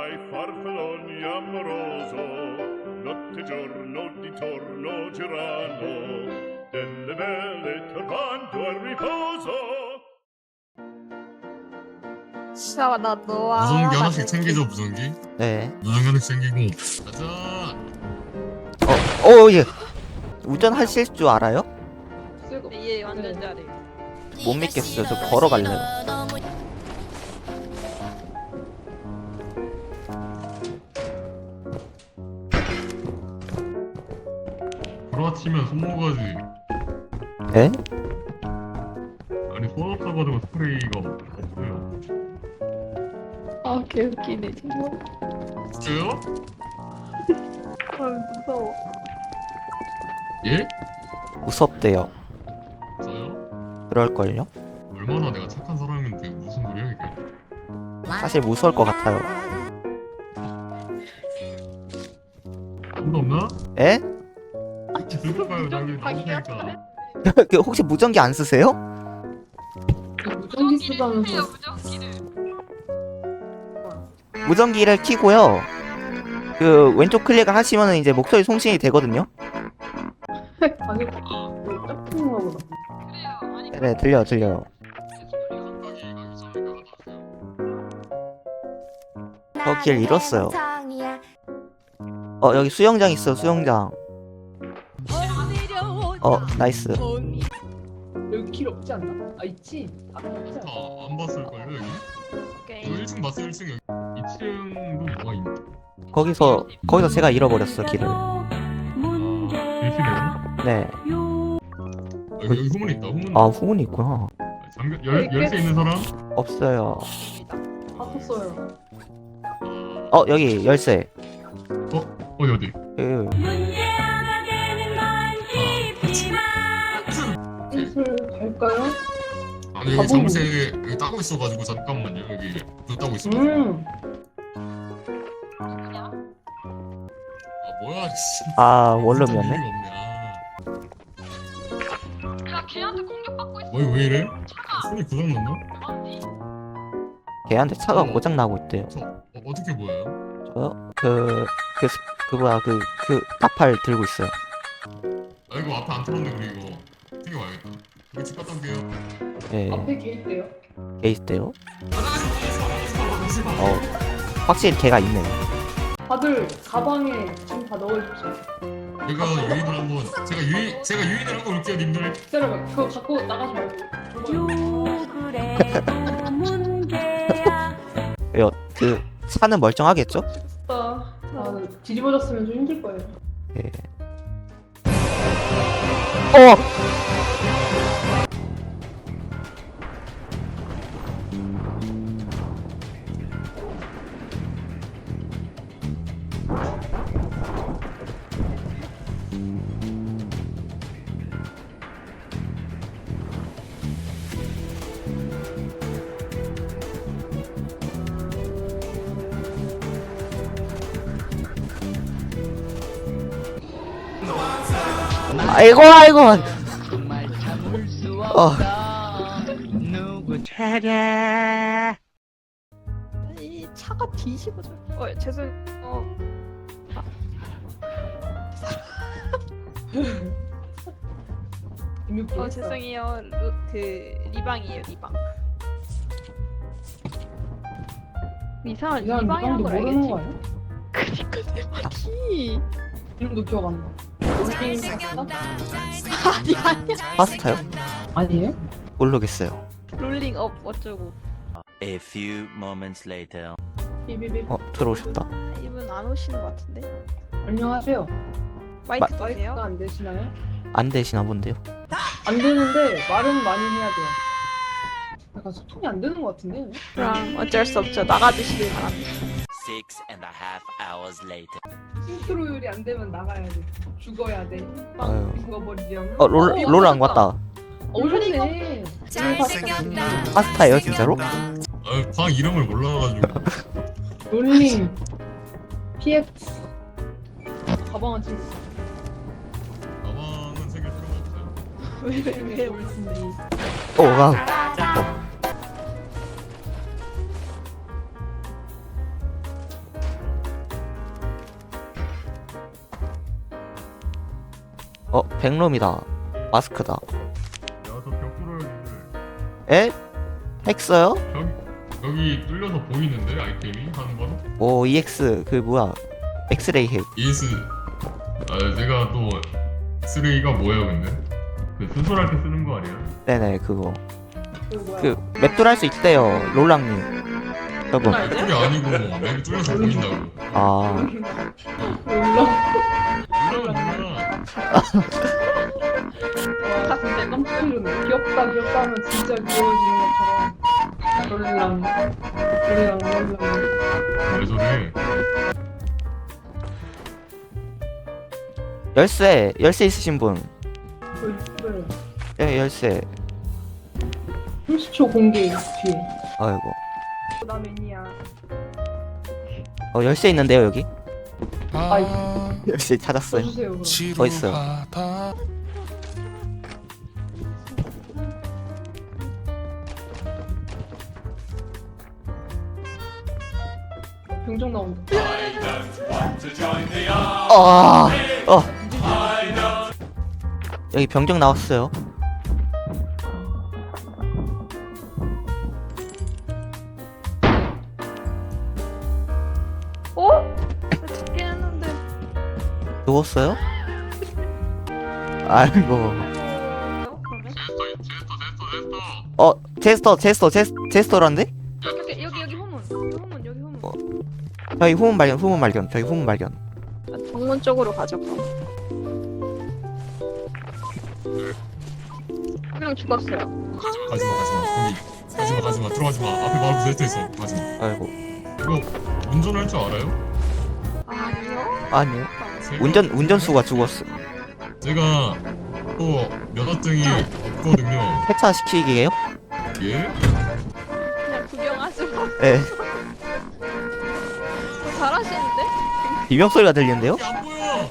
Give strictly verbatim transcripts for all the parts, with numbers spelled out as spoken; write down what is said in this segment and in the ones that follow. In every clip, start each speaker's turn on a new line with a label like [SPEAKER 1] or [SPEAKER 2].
[SPEAKER 1] ai farfalloni amoroso, notte e giorno di torno girano, delle belle turbando al riposo.
[SPEAKER 2] 진짜 나 너와
[SPEAKER 3] 무전기 하나씩
[SPEAKER 2] 하는
[SPEAKER 3] 챙기죠, 무전기.
[SPEAKER 4] 네.
[SPEAKER 3] 무전기 하나씩 챙기고 가자.
[SPEAKER 4] 어, 예. 운전하실 줄 알아요?
[SPEAKER 2] 예 완전 잘해.
[SPEAKER 4] 못 믿겠어요. 저 걸어갈래요.
[SPEAKER 3] 부러치면 손모가지.
[SPEAKER 4] 네?
[SPEAKER 3] 아니 손 없어가지고 스프레이가 없어요.
[SPEAKER 2] 아 개웃기네 정말.
[SPEAKER 3] 진짜요?
[SPEAKER 2] 아 무서워.
[SPEAKER 3] 예?
[SPEAKER 4] 무섭대요.
[SPEAKER 3] 저요?
[SPEAKER 4] 그럴걸요?
[SPEAKER 3] 얼마나 내가 착한 사람인데 무슨 소리야 이게?
[SPEAKER 4] 사실 무서울 것 같아요.
[SPEAKER 3] 돈도 없나?
[SPEAKER 4] 에?
[SPEAKER 3] 들고 가요. 나 여기 나오니까.
[SPEAKER 4] 그 혹시 무전기 안 쓰세요?
[SPEAKER 5] 무전기 쓰다면서
[SPEAKER 4] 무전기를 켜고요. 그 왼쪽 클릭을 하시면은 이제 목소리 송신이 되거든요.
[SPEAKER 5] 아니 짝퉁인가 보다.
[SPEAKER 4] 네, 들려요, 들려요. 저 길 잃었어요. 어, 여기 수영장 있어, 수영장. 어, 나이스.
[SPEAKER 5] 여기 길 없지 않나? 아 있지? 아 없지 않나?
[SPEAKER 3] 다안 봤을걸요 여기? 저 일 층 봤어요 일 층 여기. 이 층도 뭐가 있나?
[SPEAKER 4] 거기서, 거기서 제가 잃어버렸어, 길을.
[SPEAKER 3] 아 대시네요?
[SPEAKER 4] 네.
[SPEAKER 3] 여기, 여기 후문 있다 후문.
[SPEAKER 4] 아, 후문이 있구나.
[SPEAKER 3] 잠깐 열 열쇠 있는 사람?
[SPEAKER 4] 없어요.
[SPEAKER 5] 바꿨어요.
[SPEAKER 4] 어, 여기 열쇠.
[SPEAKER 3] 어 어디 어디?
[SPEAKER 4] 그,
[SPEAKER 5] 슬슬 갈까요?
[SPEAKER 3] 아니 여기
[SPEAKER 5] 가보고.
[SPEAKER 3] 잠새 여기 따고 있어가지고 잠깐만요 여기 저 따고 있어.
[SPEAKER 5] 음.
[SPEAKER 3] 아 뭐야 씨.
[SPEAKER 4] 아,
[SPEAKER 3] 진짜
[SPEAKER 4] 원룸이었네.
[SPEAKER 3] 의미가 없네.
[SPEAKER 2] 야 걔한테 공격받고 있어.
[SPEAKER 3] 아. 왜, 왜 이래? 손이 고장났나?
[SPEAKER 4] 걔한테 차가
[SPEAKER 3] 어.
[SPEAKER 4] 고장 나고 있대요.
[SPEAKER 3] 저 어, 어떻게 보여요?
[SPEAKER 4] 저요? 그, 그, 스- 그 뭐야, 그, 그, 나팔 들고 있어요.
[SPEAKER 3] 아 이거 앞에 안 털었네 우리 이거 튕겨와야겠다. 우리 집 갔다 올게요.
[SPEAKER 4] 예,
[SPEAKER 5] 앞에 개 있대요.
[SPEAKER 4] 걔 있대요. 어, 확실히 걔가 있네요.
[SPEAKER 5] 다들 가방에 지금 다 넣어주세요.
[SPEAKER 3] 제가 유인을 한번 제가 유인 제가 유인을 하고 올게요 님들.
[SPEAKER 5] 기다려봐. 그거 갖고 나가지 말고.
[SPEAKER 4] 왜요? 그, 차는 멀쩡하겠죠?
[SPEAKER 5] 아, 아, 뒤집어졌으면 좀 힘들 거예요.
[SPEAKER 4] 예. 어! 아이고, 아이고! 어.
[SPEAKER 2] 이 차가 뒤집어져. 어 죄송. 어.
[SPEAKER 5] 김육기
[SPEAKER 2] 어
[SPEAKER 5] 했어.
[SPEAKER 2] 죄송해요. 루, 그 리방이에요 리방. 이 사람
[SPEAKER 5] 이 사람
[SPEAKER 2] 리방이란
[SPEAKER 5] 이방도
[SPEAKER 2] 걸
[SPEAKER 5] 모르는
[SPEAKER 2] 알겠지?
[SPEAKER 5] 거 아니야?
[SPEAKER 2] 그니까 대박이.
[SPEAKER 5] 이름도 기억 안 나. 롤링 파스타?
[SPEAKER 2] 아니 아니야.
[SPEAKER 4] 파스타요?
[SPEAKER 5] 아니에요?
[SPEAKER 4] 모르겠어요.
[SPEAKER 2] 롤링 업 어쩌고.
[SPEAKER 6] A few moments later.
[SPEAKER 5] 비비비.
[SPEAKER 4] 어, 들어오셨다.
[SPEAKER 2] 이분 안 오시는 것 같은데.
[SPEAKER 5] 안녕하세요.
[SPEAKER 2] 마이크
[SPEAKER 5] 마이크가
[SPEAKER 2] 되세요?
[SPEAKER 5] 안 되시나요?
[SPEAKER 4] 안 되시나 본데요?
[SPEAKER 5] 안 되는데 말은 많이 해야 돼요. 약간 소통이 안 되는 것 같은데?
[SPEAKER 2] 그럼 어쩔 수 없죠. 나가주시길 바랍니다.
[SPEAKER 6] Six and a half hours later.
[SPEAKER 5] 싱크로율이 안 되면 나가야 돼. 죽어야 돼.
[SPEAKER 4] 아유.
[SPEAKER 5] 빵 죽어버리렴.
[SPEAKER 4] 어, 롤, 롤 안 왔다.
[SPEAKER 5] 어, 오셨네. 롤링 파스타.
[SPEAKER 4] 파스타예요, 진짜로?
[SPEAKER 3] 아방 이름을 몰라가지고.
[SPEAKER 5] 롤링 피엑스. 가방은 지금
[SPEAKER 3] 가방은 챙길 필요가 없어요.
[SPEAKER 2] 왜왜
[SPEAKER 5] 올 텐데.
[SPEAKER 4] 오, 와우. 어 백롬이다. 마스크다.
[SPEAKER 3] 야저 벽 뚫어야지.
[SPEAKER 4] 에? 핵 써요?
[SPEAKER 3] 여기 여기 뚫려서 보이는데 아이템이 하는 건?
[SPEAKER 4] 오 이엑스 그 뭐야 엑스레이 핵.
[SPEAKER 3] 이에스. 아 제가 또 쓰레기가 뭐예요 근데? 그 수술할 때 쓰는 거 아니야?
[SPEAKER 4] 네네 그거.
[SPEAKER 5] 이거 뭐야?
[SPEAKER 4] 그 맵돌 할 수 있대요 롤랑님. 여러분.
[SPEAKER 5] 아,
[SPEAKER 3] 그게 아니고 맵이 뚫려서 보인다고.
[SPEAKER 4] 아
[SPEAKER 5] 몰라.
[SPEAKER 3] 몰라 몰라.
[SPEAKER 5] 와, 진짜 깜짝 놀랐네. 귀엽다, 귀엽다 하면 진짜 귀여워지는 것처럼. 롤랑, 롤랑, 롤랑.
[SPEAKER 3] 왜 저래?
[SPEAKER 4] 열쇠 열쇠 있으신 분.
[SPEAKER 5] 왜?
[SPEAKER 4] 예 열쇠.
[SPEAKER 5] 삼십 초 공개 뒤에.
[SPEAKER 4] 아이고.
[SPEAKER 5] 나 매니아.
[SPEAKER 4] 어 열쇠 있는데요 여기.
[SPEAKER 5] 아이,
[SPEAKER 4] 열쇠 찾았어요.
[SPEAKER 5] 써주세요, 그럼.
[SPEAKER 4] 더 있어요.
[SPEAKER 5] 병정 나온다.
[SPEAKER 4] 아, 어. 여기 병정 나왔어요.
[SPEAKER 2] 어? 나 죽긴 했는데.
[SPEAKER 4] 누웠어요? 아이고.
[SPEAKER 2] 어, 그러면?
[SPEAKER 3] 제스터 제스터 제스터 제스터.
[SPEAKER 4] 어, 제스터, 제스터, 제스, 제스터란데?
[SPEAKER 2] 여기 여기 여기 후문. 여기 후문 여기 후문.
[SPEAKER 4] 어. 저희 후문 발견, 후문 발견, 저희 후문 발견.
[SPEAKER 2] 아, 정문 쪽으로 가자 그럼. 한 명 죽었어요.
[SPEAKER 3] 가지마 가지마 거기 가지마 가지마 들어가지마 앞에 바로 제스터 있어 가지마.
[SPEAKER 4] 아이고.
[SPEAKER 3] 이거 운전할 줄 알아요?
[SPEAKER 2] 아니요.
[SPEAKER 4] 아니요.
[SPEAKER 3] 제가-
[SPEAKER 4] 운전, 운전수가 죽었어.
[SPEAKER 3] 제가 또 면허증이 없거든요.
[SPEAKER 4] 폐차시키기에요?
[SPEAKER 3] 예?
[SPEAKER 2] 그냥 구경하지 마.
[SPEAKER 4] 예.
[SPEAKER 2] 어, 잘하시는데?
[SPEAKER 4] 비명 소리가 들리는데요?
[SPEAKER 3] 이게 안 보여.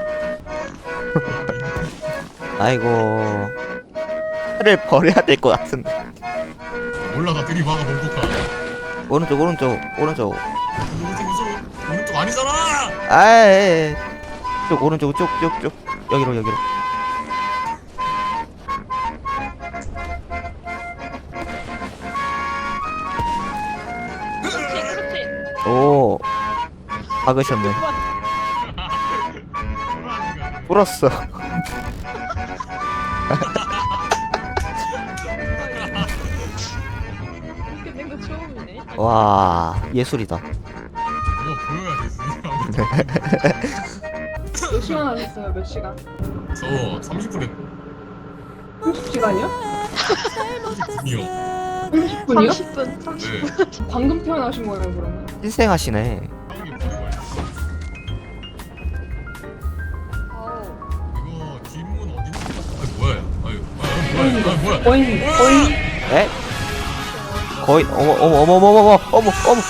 [SPEAKER 4] 아이고. 차를 버려야 될 것 같은데.
[SPEAKER 3] 올라가 들이박아 몸폭파.
[SPEAKER 4] 오른쪽, 오른쪽, 오른쪽.
[SPEAKER 3] 오른쪽 오른쪽 오른쪽 아니잖아.
[SPEAKER 4] 아이. 쪽, 오른쪽, 쪽, 쪽, 쪽. 여기로, 여기로.
[SPEAKER 2] 그렇지 그렇지.
[SPEAKER 4] 오. 박으셨네. 불었어.
[SPEAKER 2] 이렇게 된 거 처음이네.
[SPEAKER 4] 와, 예술이다.
[SPEAKER 3] 이거 보여야 되지.
[SPEAKER 5] 몇 시간 하셨어요, 몇 시간?
[SPEAKER 3] 저 삼십 분 했고
[SPEAKER 5] 삼십 시간이요?
[SPEAKER 3] 이요.
[SPEAKER 5] 삼십 분이요?
[SPEAKER 2] 삼십 분. 삼십 분.
[SPEAKER 3] 네.
[SPEAKER 5] 방금 태어나신 거예요, 그러면?
[SPEAKER 4] 희생하시네.
[SPEAKER 3] 형이 버리고 왔어.
[SPEAKER 2] 어우.
[SPEAKER 3] 이거 뒷문 어디? 아 뭐야? 아유, 아 뭐야? 아 뭐야?
[SPEAKER 5] 거의, 거의.
[SPEAKER 4] 에? 거의 어머 어머 어머 어머 어머 어머 어머.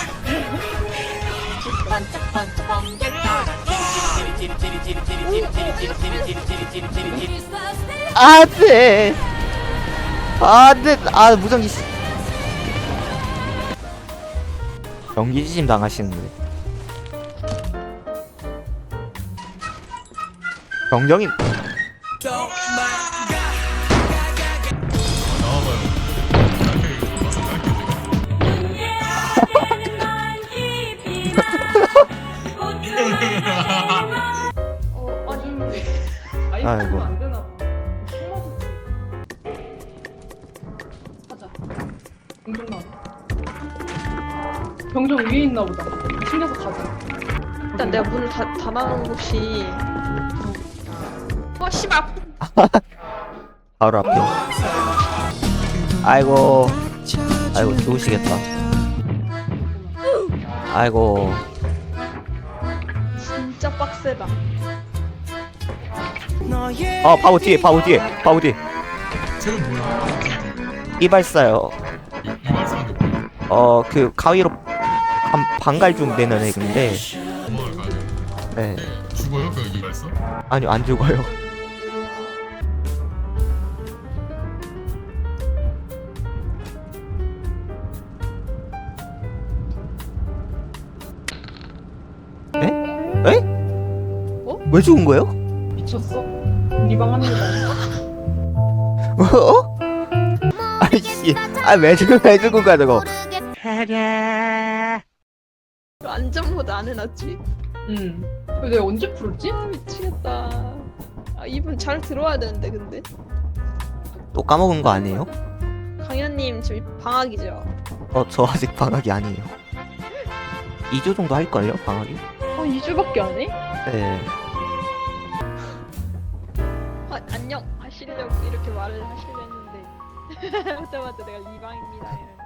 [SPEAKER 4] 안돼. 안돼. 아 무전기. 씨. 전기지짐 당하시는데. 정정이
[SPEAKER 3] 나와봐요. 이렇게 와서 갈게요 제가.
[SPEAKER 2] 어 아니.
[SPEAKER 5] 아이고.
[SPEAKER 4] 아이고.
[SPEAKER 5] 안 되나 봐. 하자. 병정 나왔다. 병정 위에 있나 보다. 챙겨서 가자.
[SPEAKER 2] 일단 내가 문을 다 닫아놓은 곳이. 어 씨발.
[SPEAKER 4] 바로 앞에. 아이고. 아이고 좋으시겠다. 아이고.
[SPEAKER 2] 진짜 빡세다.
[SPEAKER 4] 어 바보 뒤에 바보 뒤에 바보 뒤에.
[SPEAKER 3] 쟤는 뭐야?
[SPEAKER 4] 이발사요.
[SPEAKER 3] 이, 이 말씀한 게 뭐야?
[SPEAKER 4] 어 그 가위로 반, 반갈죽 내는 애인데.
[SPEAKER 3] 도망을 가야 돼.
[SPEAKER 4] 네.
[SPEAKER 3] 죽어요? 그 이 말씀?
[SPEAKER 4] 아니요 안 죽어요. 에? 에?
[SPEAKER 2] 어?
[SPEAKER 4] 왜 죽은 거예요?
[SPEAKER 5] 미쳤어? 리방합니다.
[SPEAKER 4] 어? 아이씨, 아왜 들고 왜 들고 가 저거?
[SPEAKER 2] 안전모드 안 해놨지?
[SPEAKER 5] 응. 근데 내가 언제 풀었지?
[SPEAKER 2] 아 미치겠다. 아 이분 잘 들어와야 되는데 근데
[SPEAKER 4] 또 까먹은 거 아니에요?
[SPEAKER 2] 강현님 지금 방학이죠?
[SPEAKER 4] 어, 저 아직 방학이 아니에요. 이 주 정도 할걸요, 방학이?
[SPEAKER 2] 어 이 주밖에 안 해?
[SPEAKER 4] 네.
[SPEAKER 2] 아, 안녕 하시려고 이렇게 말을 하시려 했는데 하자마자 내가 리방입니다 이러는